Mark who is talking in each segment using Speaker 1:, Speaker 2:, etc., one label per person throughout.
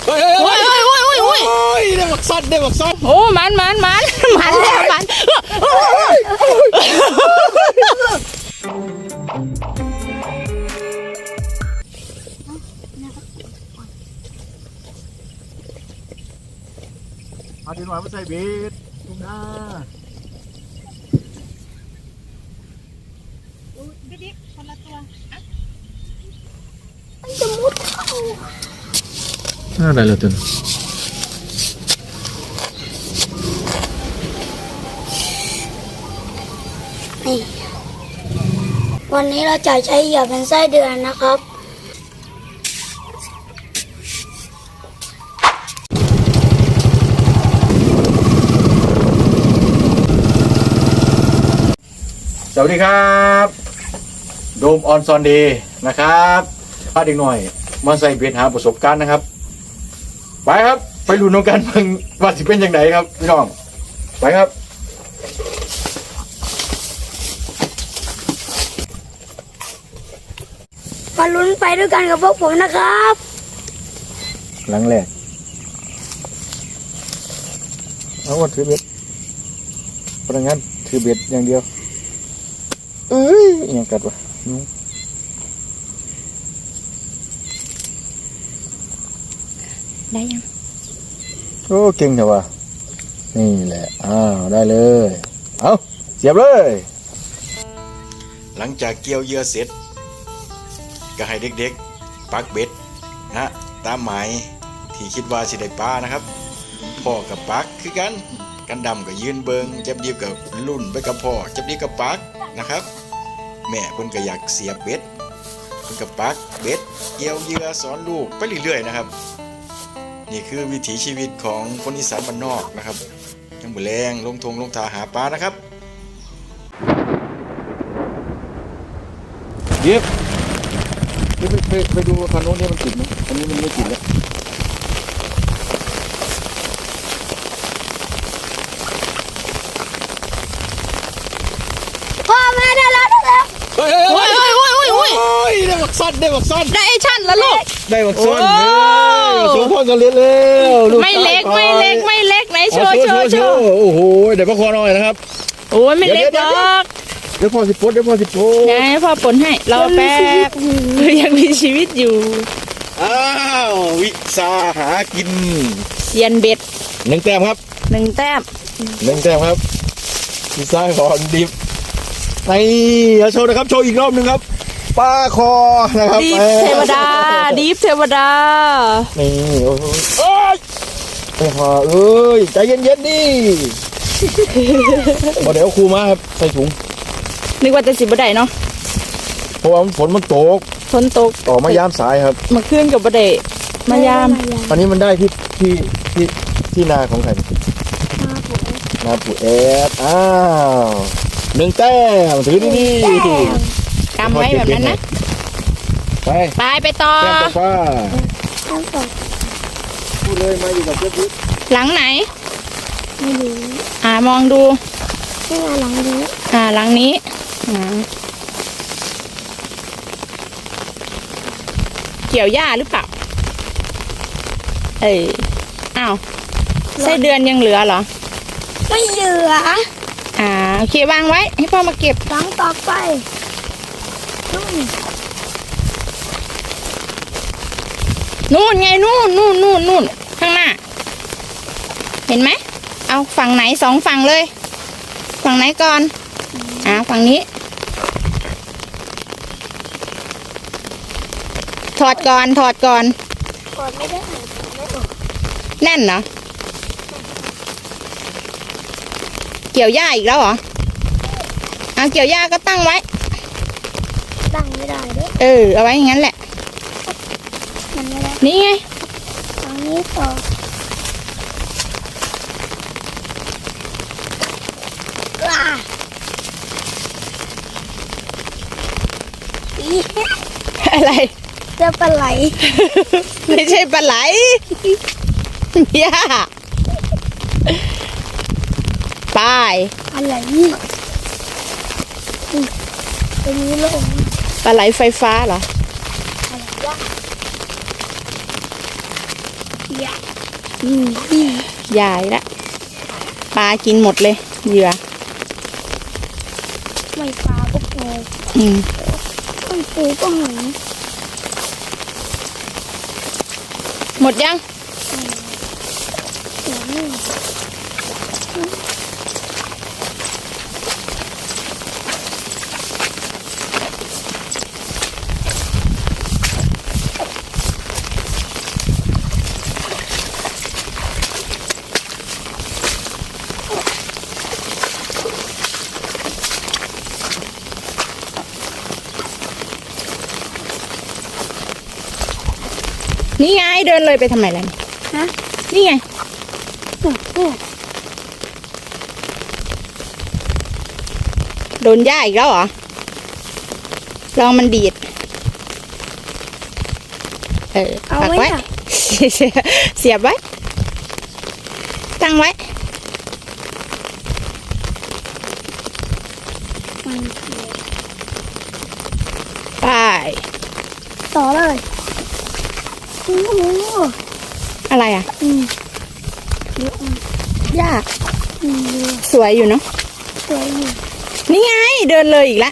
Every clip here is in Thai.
Speaker 1: โอ้ยได้บักซอน
Speaker 2: โอ้มันแล้วมัน
Speaker 1: เอาดินหวานมาใส่เบ็ดลุงนา
Speaker 2: บิ๊กคนละตัว
Speaker 3: มันจะมุดเข้า
Speaker 1: อะไรล่ะตุน
Speaker 3: นี่วันนี้เราจะใช้เหยื่อเป็นไส้เดือนนะครับ
Speaker 1: สวัสดีครับโดมออนซอนเดย์นะครับพาเด็กหน่อยมาใส่เบ็ดหาประสบการณ์นะครับไปครับไปลุ้นน้องกันมึงว่าสิเป็นยังไงครับพี่น้องไปครับ
Speaker 3: มาลุ้นไปด้วยกันกับพวกผมนะครับ
Speaker 1: หลังแรกเอาวันถือเบ็ดพนักงานถือเบ็ดอย่างเดียวยังกัดวะ
Speaker 2: ได้ยัง
Speaker 1: โอ้เก่งจังวะนี่แหละได้เลยเอาเสียบเลยหลังจากเกี่ยวเหยื่อเสร็จก็ให้เด็กๆปักเบ็ดนะตามหมายที่คิดว่าสิได้ปลานะครับพ่อกับปักคือกันดำก็ยืนเบิงจับดีกับลุ่นไปกับพ่อจับดีกับปักนะครับแม่เพิ่นก็อยากเสียบเบ็ดเพิ่นก็ปักเบ็ดเกี่ยวเหยื่อสอนลูกไปเรื่อยๆนะครับนี่คือวิถีชีวิตของคนอีสานบ้านนอกนะครับยังบ่แรงลงทงลงทาหาปลานะครับเดี๋ยวไปดูคันโน้นนี่มันติดไหมอันนี้มันไม่ติดแล้ว
Speaker 3: พ่อแม่ได้แล้ว
Speaker 2: โอ้ย
Speaker 1: ได้บักซอน
Speaker 2: ได้ไอชั่นแล้วลูก
Speaker 1: ได้บักซอนสูงพ่อกันเล็กแล้ว
Speaker 2: ไม่เล็กไหนโชว์
Speaker 1: โอ้โหเดี๋ยวพ่อคอหน่อยนะครับ
Speaker 2: โอ้ยไม่เล็กหรอก
Speaker 1: เดี๋ยวพ่อสิปลด
Speaker 2: ไงพ่อปนให้รอแป๊บยังมีชีวิตอยู่
Speaker 1: วิสาหากิน
Speaker 2: เซียนเบ็ด
Speaker 1: 1 แต้มครับ
Speaker 2: 1 แต้ม
Speaker 1: ครับวิสาของดิบโชว์นะครับโชว์อีกรอบนึงครับปลาคอนะครับ
Speaker 2: ดีฟเทวดา
Speaker 1: นี่โอ้โหไปหาใจเย็นดิเดี๋ยวครูมาครับใส่ถุง
Speaker 2: นึกว่าจะสิบบ่ได้เนาะ
Speaker 1: เพราะว่าฝนมันตกต่อมายามสายครับ
Speaker 2: มาขึ้นกับบ่ได้มายาม
Speaker 1: อันนี้มันได้ที่นาของใครนาปู่แอด1 แต้มถือดี
Speaker 2: กำไว้แบบนั้นนะไปต่อ
Speaker 1: แต้มฟ้าพูดเลยมาอยู่กับเพื่อน
Speaker 2: หลังไหน
Speaker 3: ไม่รู้
Speaker 2: มองดู
Speaker 3: หลังนี้
Speaker 2: หลังนี้เกี่ยวหญ้าหรือเปล่าไส้เดือนยังเหลือเหรอ
Speaker 3: ไม่เหลือ
Speaker 2: โอเควางไว้ให้พ่อมาเก็บ
Speaker 3: หลังต่อไป
Speaker 2: นู่นไงนู่นข้างหน้าเห็นไหมเอาฝั่งไหน2 ฝั่งเลยฝั่งไหนก่อนฝั่งนี้ถอดก่อน
Speaker 3: ไม่ได้
Speaker 2: แน่นเหรอเกี่ยวหญ้าอีกแล้วเหรอเกี่ยวหญ้าก็ตั้งไว้
Speaker 3: ตั้งไม่ได้ด้วย
Speaker 2: เอาไว้อย่างนั้นแหละนี่ไง
Speaker 3: ทางนี้ต่อ
Speaker 2: อะไร
Speaker 3: เจะปลาไหล
Speaker 2: ไม่ใช่ปลาไหลย่าไป
Speaker 3: อะไรนี่ตรงนี้ลง
Speaker 2: ปลาไหลไฟฟ้าเหรอ
Speaker 3: อย่านี่
Speaker 2: ใหญ่ละปลากินหมดเลยเหยื่อ
Speaker 3: ไม่ปลาก็ปู
Speaker 2: อืม
Speaker 3: ไม่ปูก็หอย
Speaker 2: หมดยัง
Speaker 3: อย่างนี้
Speaker 2: นี่ไงเดินเลยไปทำไมล่ะ
Speaker 3: ฮะ
Speaker 2: นี่ไง
Speaker 3: เนี่ย
Speaker 2: โดนย่าอีกแล้วเหรอลองมันดีด
Speaker 3: เอา
Speaker 2: ปัก
Speaker 3: ไว้
Speaker 2: ไว้
Speaker 3: ค่ะ
Speaker 2: เสียบไว้ตั้งไว้
Speaker 3: มัน
Speaker 2: ไป
Speaker 3: ต่อเลยโอ้โห
Speaker 2: อะไรอ่ะ
Speaker 3: เยอะ
Speaker 2: ย่า
Speaker 3: เยอะ
Speaker 2: สวยอยู่เนาะ
Speaker 3: สวยอยู่
Speaker 2: นี่ไงเดินเลยอีกแล้ว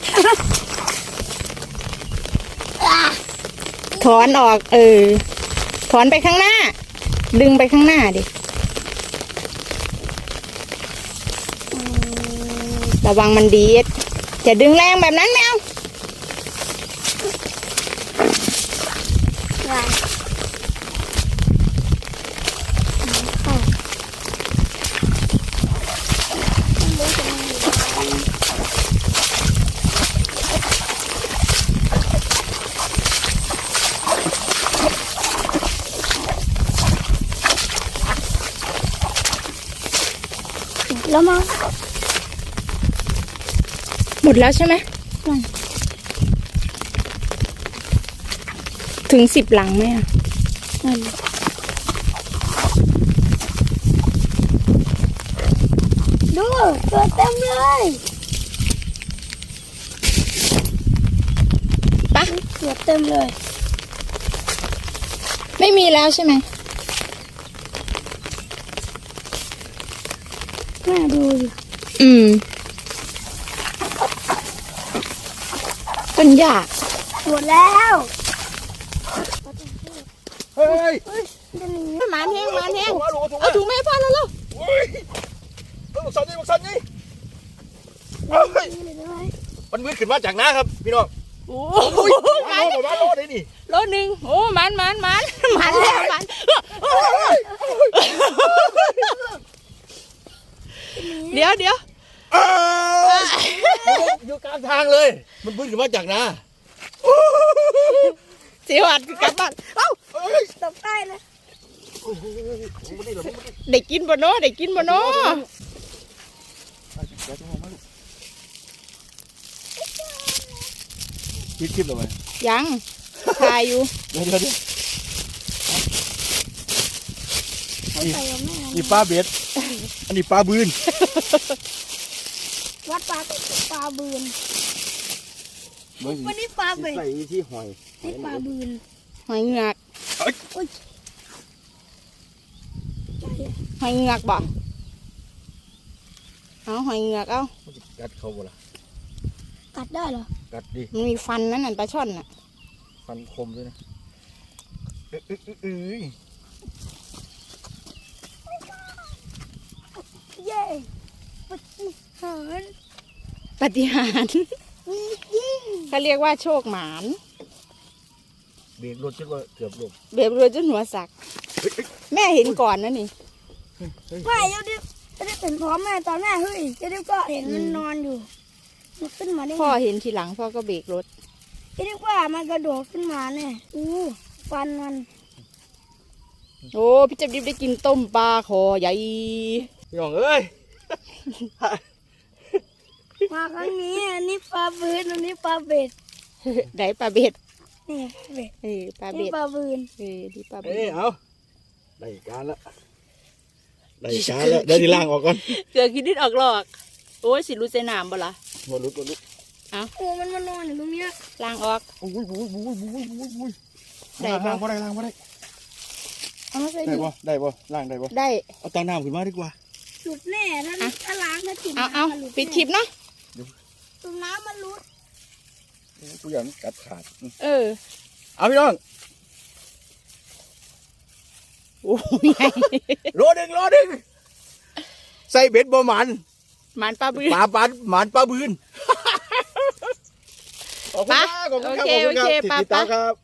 Speaker 2: ถอนออกถอนไปข้างหน้า ดึงไปข้างหน้าดิระวังมันดีดอย่าดึงแรงแบบนั้นแมว
Speaker 3: วางเข้าแล้วมั้ง
Speaker 2: หมดแล้วใช่ไหม
Speaker 3: อืม
Speaker 2: ถึง10 หลังไหมอ่ะ
Speaker 3: ดูตัวเต็มเลย
Speaker 2: ปะ
Speaker 3: ตัวเต็มเลย
Speaker 2: ไม่มีแล้วใช่ไหม
Speaker 3: น่าดูดิ
Speaker 2: ต้นหญ้า
Speaker 3: หมดแล้ว
Speaker 1: เฮ้ย
Speaker 3: เดี๋ยวนี้
Speaker 2: หมานแห้งหมานแห้ง
Speaker 1: เอาถุงมา
Speaker 2: เอาถุงแม่พ่อแล้วลูก
Speaker 1: เฮ้ยบักสันนี่บักสันนี่เฮ้ย
Speaker 3: เลยด้วย
Speaker 1: มันมืดขึ้นมาจากน้าครับพี่น้อง
Speaker 2: โอ้
Speaker 1: โอ้ย
Speaker 2: ห
Speaker 1: มา
Speaker 2: มา
Speaker 1: โลมาโลได้นี่
Speaker 2: โลนึงโอ้หมันแล้วหมันเดี๋ยว
Speaker 1: เอ้ยอยู่กลางทางเลย มันมืดขึ้นมาจากน้า
Speaker 2: สิวัดกลับบ้านเอ้า
Speaker 1: เฮ้ย
Speaker 3: ตบใต้เลย
Speaker 1: โอ้โหมาดิเหรอมาดิ
Speaker 2: ได้กินบ่เนาะได้กินบ่เนาะ
Speaker 1: เดี๋ยวจะมองมาลูกคลิปเลยไหม
Speaker 2: ยังถ่ายอยู่
Speaker 1: เดี๋ยว
Speaker 3: เขาใส่กับแม่
Speaker 1: นี่ปลาเบ็ด อันนี้ปลาบืน
Speaker 3: วัดปลาก็ปลาบืนวันนี้ปลาเบ็ด
Speaker 1: ใส่ที่หอย
Speaker 3: นี่ปลาบืน
Speaker 2: หอยเหงือก
Speaker 3: อุ้ย
Speaker 2: หอยเหงือกบ่เอาหอยเหงือกเอา
Speaker 1: มันจะกัดเขาบ่ล่ะ
Speaker 3: กัดได้เหรอ
Speaker 1: กัดดิ
Speaker 2: มันมีฟันนั่นน่ะปลาช่อนน่ะ
Speaker 1: ฟันคมด้วยนะเอ้ย
Speaker 3: เย้ปฏิหาร
Speaker 2: ปาฏิหาริย์เขาเรียกว่าโชคหมาน
Speaker 1: เบรกรถจนว่าเกือบหลบ
Speaker 2: เบียบเรือจนหัวสัก แม่เห็นก่อนนะนี่
Speaker 3: ไม่เดี๋ยวดิจะได้เป็นพร้อมแม่ตอนแม่เฮ้ยจะได้ก็เห็นมันนอนอยู่มันขึ้นมาได้ไง
Speaker 2: พ่อเห็นทีหลังพ่อก็เบรกรถ
Speaker 3: จะได้ว่ามันกระโดดขึ้นมาเนี่ยฟันมัน
Speaker 2: โอ้พี่จับดิบได้กินต้มปลาคอใหญ่
Speaker 1: พี่น้องเอ้ย
Speaker 3: มาครั้งนี้อันนี้ปลาบืนอันนี้ปลาเบ็ด
Speaker 2: ได้ปลาเบ็ด
Speaker 3: นี่เบ็ด
Speaker 2: ปลา
Speaker 3: นี่
Speaker 2: เบ็ด
Speaker 3: ปลาบืน
Speaker 2: ดีปลาเบ็
Speaker 1: เอ้ย
Speaker 2: ด
Speaker 1: เอาได้การละได้การละเดี๋ยวที่ล่างออกก่อน
Speaker 2: เกลือคิดดิดออกหลอก โอ้ยสิรู้ใจน้ำบ่ล่ะ
Speaker 1: บอลุด
Speaker 3: โอ้มันมานอนอยู่ตรงเนี้ย
Speaker 2: ล้างออก
Speaker 1: บุ้ย
Speaker 2: ได้
Speaker 1: ล่าง
Speaker 2: ปะ
Speaker 1: บ่ได้ล่างบ่ได้
Speaker 2: เอามาใส่
Speaker 1: ได้
Speaker 2: ดิ
Speaker 1: บ่ได้บ่ล่างได้บ่
Speaker 2: ได้
Speaker 1: เอาตาน้ำขึ้นมาดีกว่า
Speaker 3: หลุดแน่ถ้าล้างถ้าจิบ
Speaker 2: เอาปิดคลิปเนาะ
Speaker 3: ตุ่มน้ำมันหลุด
Speaker 1: กูอยากกัดขาด
Speaker 2: เออ
Speaker 1: เอาพี่น้อง
Speaker 2: โอ้ยไง
Speaker 1: โลนึงใส่เบ็ดบ่หมัน
Speaker 2: หมันปลาบืน
Speaker 1: ปลาหมันปลาบืนขอบคุณ
Speaker 2: ปะ
Speaker 1: ครับขอบคุณครับ
Speaker 2: โอเค
Speaker 1: ขอบคุณครับ
Speaker 2: โอเค
Speaker 1: ติด
Speaker 2: ปะ
Speaker 1: ตาม
Speaker 2: ปะ
Speaker 1: ครับ